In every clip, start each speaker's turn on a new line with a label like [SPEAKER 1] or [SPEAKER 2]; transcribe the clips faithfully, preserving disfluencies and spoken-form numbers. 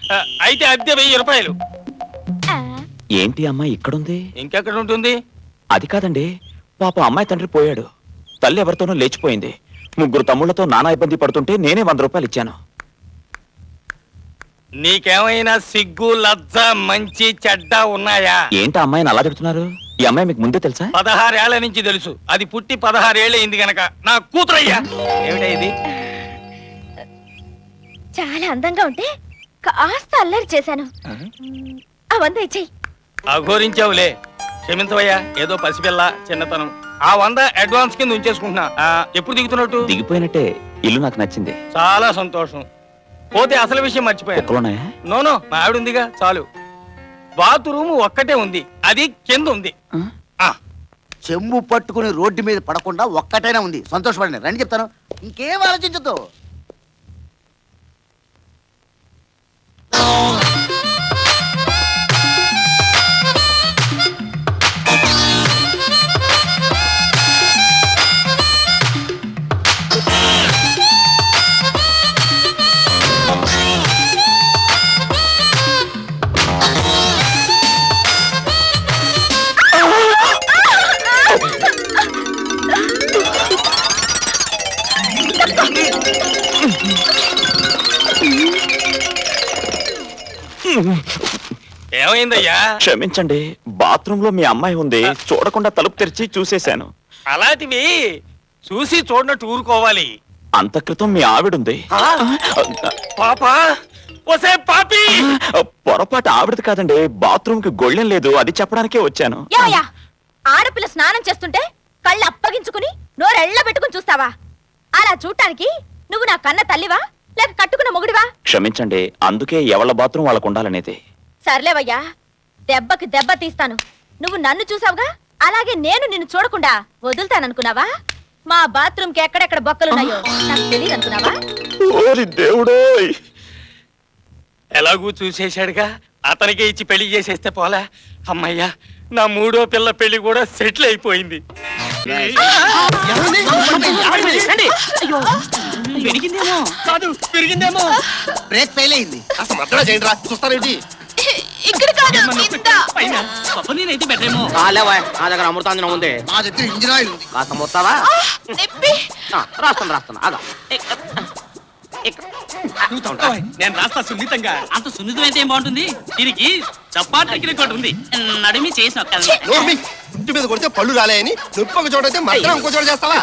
[SPEAKER 1] అయితే అద్దె వెయ్యి రూపాయలు.
[SPEAKER 2] ఏంటి అమ్మాయి ఇక్కడుంది?
[SPEAKER 1] ఇంకెక్కడ ఉంటుంది?
[SPEAKER 2] అది కాదండి, పాప అమ్మాయి తండ్రి పోయాడు, తల్లి ఎవరితోనో లేచిపోయింది, ముగ్గురు తమ్ముళ్లతో నానా ఇబ్బంది పడుతుంటే నేనే వంద రూపాయలు ఇచ్చాను.
[SPEAKER 1] నీకేమైనా సిగ్గు లజ్జ మంచి చెడ్డ ఉన్నాయా?
[SPEAKER 2] ఏంటి అమ్మాయిని అలా చెప్తున్నారు? ఈ అమ్మాయి మీకు ముందే తెలుసా?
[SPEAKER 1] పదహారేళ్ల నుంచి తెలుసు. అది పుట్టి పదహారేళ్ళు అయింది గనక నా కూతురయ్యా. ఏమిటా ఇది?
[SPEAKER 3] చాలా అందంగా ఉంటే కాస్త అల్లరి చేశాను. ఆ వంద ఇచ్చేయి.
[SPEAKER 1] అఘోరించావులే, క్షమించవయ్యా. ఏదో పసిపిల్ల చిన్నతనం. ఆ వంద అడ్వాన్స్ కింద ఉంచేసుకుంటున్నా. ఎప్పుడు దిగుతున్నట్టు?
[SPEAKER 2] దిగిపోయినట్టే. ఇల్లు నాకు నచ్చింది.
[SPEAKER 1] చాలా సంతోషం. పోతే అసలు విషయం మర్చిపోయాను. నోనో, మా ఆవిడ ఉందిగా చాలు. బాత్రూమ్ ఒక్కటే ఉంది, అది కింద ఉంది.
[SPEAKER 4] చెంబు పట్టుకుని రోడ్డు మీద పడకుండా ఒక్కటైనా ఉంది. సంతోషపడండి. రండి చెప్తాను, ఇంకేం ఆలోచించద్దు.
[SPEAKER 1] ఏమైందయ్యా?
[SPEAKER 2] క్షమించండి, బాత్రూమ్ లో మీ అమ్మాయి ఉంది, చూడకుండా తలుపు తెరిచి చూసేశాను.
[SPEAKER 1] అలాంటివి చూసి చూడనట్టు ఊరుకోవాలి.
[SPEAKER 2] అంత క్రితం మీ ఆవిడుంది.
[SPEAKER 1] పాపా, ఒసే పాపి!
[SPEAKER 2] పొరపాటు ఆవిడది కాదండి, బాత్రూమ్ కి గొళ్ళెం లేదు, అది చెప్పడానికే వచ్చాను.
[SPEAKER 3] యాయా, ఆడపిల్ల స్నానం చేస్తుంటే కళ్ళు అప్పగించుకుని నోరెళ్ళ పెట్టుకుని చూస్తావా? అలా చూడటానికి నువ్వు నా కన్న తల్లివా లేక కట్టుకున్న మొగుడివా?
[SPEAKER 2] క్షమించండి, అందుకే ఎవళ్ళ బాత్రూమ్ వాళ్ళకు ఉండాలనేది.
[SPEAKER 3] సర్లేవయ్యా, దెబ్బకి దెబ్బ తీస్తాను. నువ్వు నన్ను చూసావుగా, అలాగే నేను నిన్ను చూడకుండా వదులుతాననుకున్నావా? మా బాత్రూమ్ కి ఎక్కడెక్కడ బొక్కలున్నాయో నాకు తెలియదు అనుకున్నావా?
[SPEAKER 2] ఓరి దేవుడోయ్!
[SPEAKER 1] ఎలాగూ చూసేశాడుగా, అతనికే ఇచ్చి పెళ్లి చేసేస్తే పోలా. అమ్మయ్యా, నా మూడో పిల్ల పెళ్లి కూడా సెటిల్ అయిపోయింది.
[SPEAKER 4] బ్రేక్ ఫెయిల్ అయింది.
[SPEAKER 3] ఇక్కడ కాదు,
[SPEAKER 4] అమృతాంజనం ఉంది. మా దగ్గర ఇంజిన్ ఆయిల్ ఉంది. కాస్త మొత్తావా? రాస్తాను రాస్తాను అలా.
[SPEAKER 1] నేను రాస్తా సున్నితంగా.
[SPEAKER 5] అంత సున్నితం అయితే ఏం బాగుంటుంది? దీనికి చపాట్ రికార్డ్ ఉంది. నడిమి చేసిన
[SPEAKER 6] ఇంటి మీద కొడితే పళ్ళు రాలేని నొప్పి ఒక చోట అయితే మాత్రం ఇంకో చోట చేస్తావా?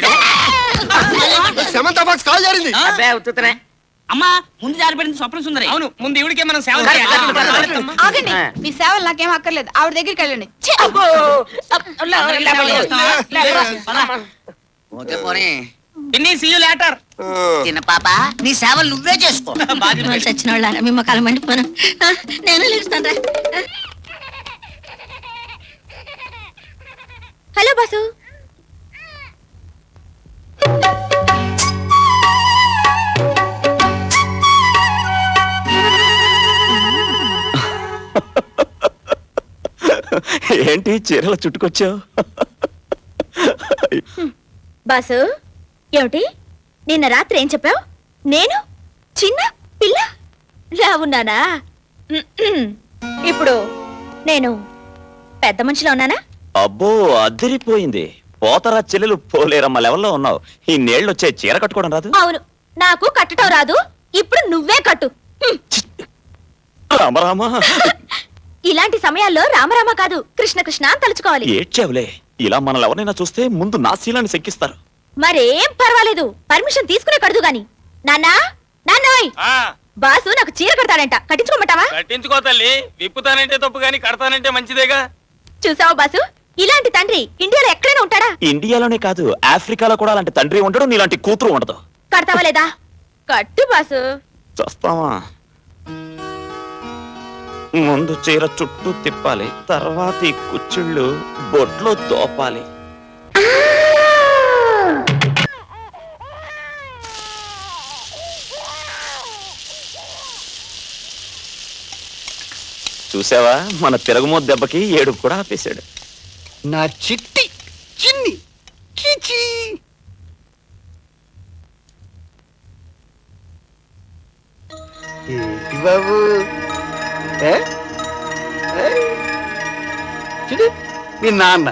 [SPEAKER 6] సెమంత బాక్స్ కాల్ జారింది.
[SPEAKER 5] అమ్మా, ముందు జారిపడింది స్వప్న సుందరి.
[SPEAKER 1] అవును, ముందు ఇవిడికే మనం సేవ
[SPEAKER 7] ఆగండి, మీ సేవలు నాకేం అక్కర్లేదు. ఆవిడ దగ్గరికి వెళ్ళండి.
[SPEAKER 4] ఓకే పోనీ.
[SPEAKER 7] చిన్న పాప, నీ సేవలు నువ్వే చేసుకో.
[SPEAKER 3] చచ్చిన వాళ్ళ మీ మొక్కలు మండిపోను. నేను లేస్తాను. Hello boss.
[SPEAKER 2] ఏంటి చీరల చుట్టుకొచ్చావు?
[SPEAKER 3] బాసు, ఏమిటి నిన్న రాత్రి ఏం చెప్పావు? నేను చిన్న పిల్ల రావున్నానా? ఇప్పుడు నేను పెద్ద మనిషిలో ఉన్నానా?
[SPEAKER 2] అబ్బో, అదిరిపోయింది. పోతరా చెల్లెలు పోలేరమ్మ లెవెల్లో ఉన్నావు. ఈ నేళ్ళు వచ్చే చీర కట్టుకోవడం రాదు?
[SPEAKER 3] అవును, నాకు కట్టడం రాదు. ఇప్పుడు నువ్వే కట్టు.
[SPEAKER 2] రామరామా.
[SPEAKER 3] ఇలాంటి సమయాల్లో రామరామ కాదు, కృష్ణ కృష్ణ అని తలుచుకోవాలి.
[SPEAKER 2] ఏడ్చావులే, ఇలా మనల్ని ఎవరైనా చూస్తే ముందు నా శీలాన్ని శంకిస్తారు.
[SPEAKER 3] మరేం పర్వాలేదు, పర్మిషన్ తీసుకునే కడదు గాని. నాన్నా, నాన్నోయ్, బాసు నాకు చీర కడతాడంట, కట్టించుకోమంటావా?
[SPEAKER 1] కట్టించుకో తల్లి. విప్పుతానంటే తప్పు గాని కడతానంటే మంచిదేగా.
[SPEAKER 3] చూసావా బాసు, ఇలాంటి తండ్రి ఇండియాలో ఎక్కడైనా ఉంటాడా?
[SPEAKER 2] ఇండియాలోనే కాదు, ఆఫ్రికాలో కూడా అలాంటి తండ్రి ఉండడు, నీలాంటి కూతురు ఉండదు.
[SPEAKER 3] కడతావా లేదా? కట్టు బాసు.
[SPEAKER 2] చూస్తావా? ముందు చీర చుట్టూ తిప్పాలి, తర్వాత ఈ కుచ్చిళ్ళు బొట్లో తోపాలి. చూసావా, మన తిరగమోత్ దెబ్బకి ఏడుపు కూడా ఆపేశాడు.
[SPEAKER 4] నా చిట్టి చిన్ని చిచి. ఏంటి
[SPEAKER 8] బాబు ఏ? ఏ? చూడు మీ నాన్న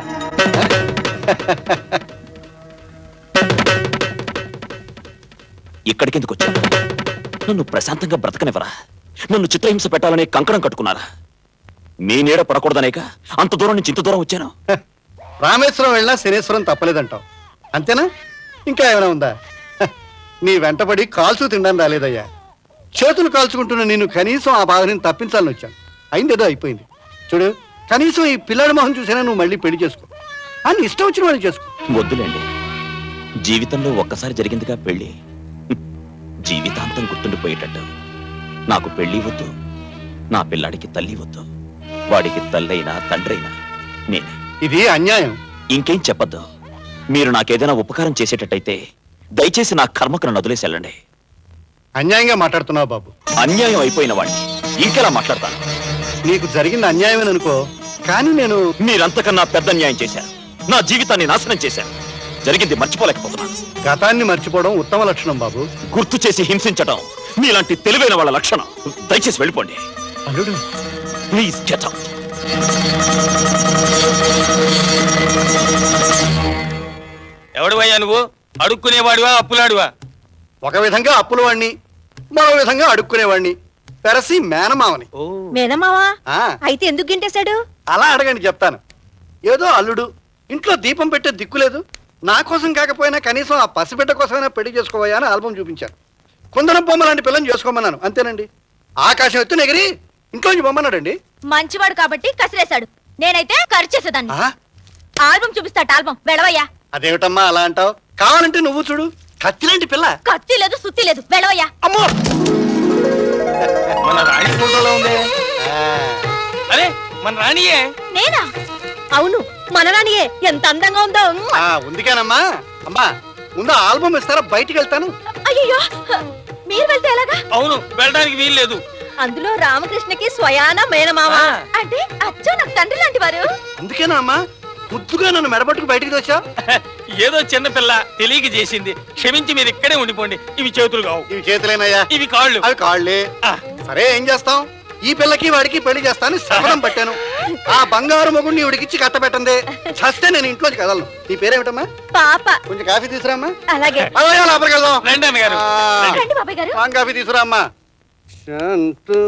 [SPEAKER 2] ఇక్కడికెందుకు వచ్చాను? నన్ను ప్రశాంతంగా బ్రతకనివ్వరా? నన్ను చిత్రహింస పెట్టాలనే కంకణం కట్టుకున్నారా? మీ నీడ పడకూడదనేక అంత దూరం నుంచి ఇంత దూరం వచ్చాను.
[SPEAKER 8] రామేశ్వరం వెళ్ళినా శనేశ్వరం తప్పలేదంటావు అంతేనా? ఇంకా ఏమైనా ఉందా? హ, నీ వెంటబడి కాల్చు తినడానికి రాలేదయ్యా. చేతులు కాల్చుకుంటున్న నేను కనీసం ఆ బాధ నేను తప్పించాలని వచ్చాను. అయిందేదో అయిపోయింది. చూడు, కనీసం ఈ పిల్లాడి మొహం చూసినా నువ్వు మళ్ళీ పెళ్లి చేసుకో. అని ఇష్టం వచ్చిన వాళ్ళు చేసుకో.
[SPEAKER 2] వద్దులేండి, జీవితంలో ఒక్కసారి జరిగిందిగా పెళ్లి. హ్మ్. జీవితాంతం గుర్తుండిపోయేటట్టు. నాకు పెళ్లి వద్దు, నా పిల్లాడికి తల్లి వద్దు. వాడికి తల్లైనా తండ్రైనా నేనే.
[SPEAKER 8] ఇది అన్యాయం.
[SPEAKER 2] ఇంకేం చెప్పద్దు. మీరు నాకేదైనా ఉపకారం చేసేటట్టయితే దయచేసి నా కర్మకు నన్ను వదిలేసి వెళ్ళండి.
[SPEAKER 8] అన్యాయంగా మాట్లాడుతున్నావు బాబు.
[SPEAKER 2] అన్యాయం అయిపోయిన వాడిని ఇంకెలా మాట్లాడతాను?
[SPEAKER 8] నీకు జరిగింది అన్యాయమేననుకో, కానీ నేను
[SPEAKER 2] మీరంతకన్నా పెద్ద అన్యాయం చేశారు. నా జీవితాన్ని నాశనం చేశారు. జరిగింది మర్చిపోలేకపోతున్నాను.
[SPEAKER 8] గతాన్ని మర్చిపోవడం ఉత్తమ లక్షణం బాబు.
[SPEAKER 2] గుర్తు చేసి హింసించడం మీలాంటి తెలివైన వాళ్ళ లక్షణం. దయచేసి వెళ్ళిపోండి.
[SPEAKER 8] అల్లుడు
[SPEAKER 2] ప్లీజ్ గెట్ అవుట్.
[SPEAKER 1] ఎవడువయ్యా నువ్వు? అడుక్కునేవాడివా అప్పులాడివా?
[SPEAKER 8] ఒక విధంగా అప్పుల వాణ్ణి, మరో విధంగా అడుక్కునేవాణ్ణి. పెరసి మేనమావని.
[SPEAKER 3] మేనమావా
[SPEAKER 8] ఆ,
[SPEAKER 3] అయితే ఎందుకు గింటేశాడు?
[SPEAKER 8] అలా అడగండి చెప్తాను. ఏదో అల్లుడు, ఇంట్లో దీపం పెట్టే దిక్కులేదు, నా కోసం కాకపోయినా కనీసం ఆ పసిబిడ్డ కోసమైనా పెళ్లి చేసుకోవయ్యా అని ఆల్బం చూపించాను. కుందనం బొమ్మ లాంటి పిల్లని చేసుకోమన్నాను, అంతేనండి. ఆకాశం ఎత్తు ఎగిరి ఇంట్లోంచి బొమ్మన్నాడండి.
[SPEAKER 3] మంచివాడు కాబట్టి కసిరేశాడు. నేనైతే ఖర్చు చేసేదాన్ని.
[SPEAKER 8] ఆ,
[SPEAKER 3] ఆల్బం చూపిస్తాట ఆల్బం వెళ్ళవయ్యా.
[SPEAKER 8] అదేమిటమ్మా అలా అంటావు? కావాలంటే నువ్వు చూడు, కత్తిలాంటి పిల్ల.
[SPEAKER 3] కత్తి లేదు సుత్తి లేదు వెళ్ళవయ్యా.
[SPEAKER 8] అమ్మో!
[SPEAKER 1] మన రాణి ఫోటోలో ఉంది.
[SPEAKER 8] ఆ,
[SPEAKER 1] అరే మన రాణియే.
[SPEAKER 3] నేనా? అవును, మన రాణియే. ఎంత అందంగా ఉందో.
[SPEAKER 8] ఆ, ఉందికేనమ్మా. అమ్మా, ముందు ఆల్బం ఇస్తారా? బయటికి వెళ్తాను.
[SPEAKER 3] అయ్యో, మీరు వెళ్తే ఎలాగా?
[SPEAKER 1] అవును, వెళ్ళడానికి వీలు లేదు.
[SPEAKER 3] అందులో రామకృష్ణకి స్వయాన మేనమామ
[SPEAKER 1] ఆ.
[SPEAKER 3] అంటే అచ్చో నాకు తండ్రి లాంటి వారు.
[SPEAKER 8] అందుకేనా అమ్మా ముద్దుగా నన్ను మెడపట్టుకు బయటికి వచ్చా?
[SPEAKER 1] ఏదో చిన్న పిల్ల తెలియక చేసింది. క్షమించి మీరు ఇక్కడే ఉండిపోండి. ఇవి చేతులు కావు,
[SPEAKER 8] ఇవి చేతులేనయ్యా.
[SPEAKER 1] ఇవి కాళ్ళు.
[SPEAKER 8] అవి కాళ్ళే.
[SPEAKER 1] ఆ.
[SPEAKER 8] సరే, ఏం చేస్తాం? ఈ పిల్లకి వాడికి పెళ్లి చేస్తాను శపథం పట్టాను. ఆ బంగారు మొగుడిని ఇవిడికిచ్చి కట్టబెట్టందే చస్తే నేను ఇంట్లోకి కదలను. నీ పేరేమిటమ్మా?
[SPEAKER 3] పాప.
[SPEAKER 8] కొంచెం కాఫీ తీసురామ్మా.
[SPEAKER 3] అలాగే.
[SPEAKER 8] అలాగే లోపలికి వెళ్దాం.
[SPEAKER 1] రండి అన్నగారు.
[SPEAKER 8] ఆ,
[SPEAKER 3] రండి బాబాయ్ గారు.
[SPEAKER 8] పాన్ కాఫీ తీసుకురామ్మా. శాంతం